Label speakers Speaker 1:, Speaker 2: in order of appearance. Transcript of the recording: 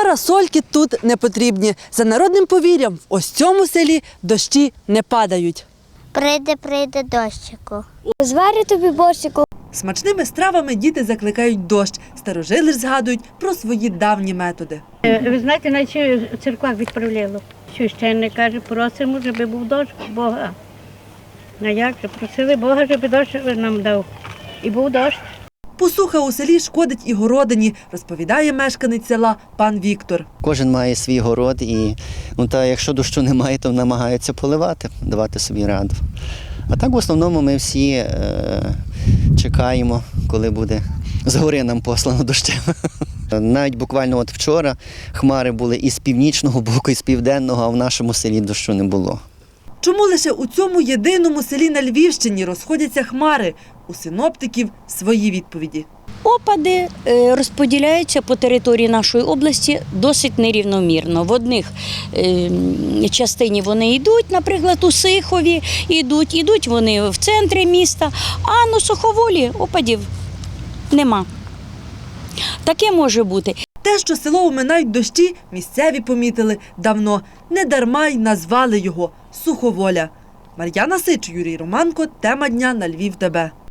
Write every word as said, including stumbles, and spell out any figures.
Speaker 1: Парасольки тут не потрібні. За народним повір'ям, в ось цьому селі дощі не падають.
Speaker 2: Прийде, прийде дощику.
Speaker 3: Зварю тобі борщику.
Speaker 1: Смачними стравами діти закликають дощ. Старожили ж згадують про свої давні методи.
Speaker 4: Ви знаєте, навіть в церквах відправляло. Священник каже, просимо, щоб був дощ Бога. А як же? Просили Бога, щоб дощ нам дав. І був дощ.
Speaker 1: Посуха у селі шкодить і городині, розповідає мешканець села пан Віктор.
Speaker 5: Кожен має свій город і ну, та, якщо дощу немає, то намагаються поливати, давати собі раду. А так в основному ми всі е, чекаємо, коли буде згори нам послано дощем. Навіть буквально от вчора хмари були і з північного боку, і з південного, а в нашому селі дощу не було.
Speaker 1: Чому лише у цьому єдиному селі на Львівщині розходяться хмари? У синоптиків свої відповіді.
Speaker 6: Опади е, розподіляються по території нашої області досить нерівномірно. В одних е, частині вони йдуть, наприклад, у Сихові, йдуть, йдуть вони в центрі міста, а на Суховолі опадів нема. Таке може бути.
Speaker 1: Те, що село оминають дощі, місцеві помітили давно. Недарма й назвали його Суховоля. Мар'яна Сич, Юрій Романко. Тема дня на Львів ТБ.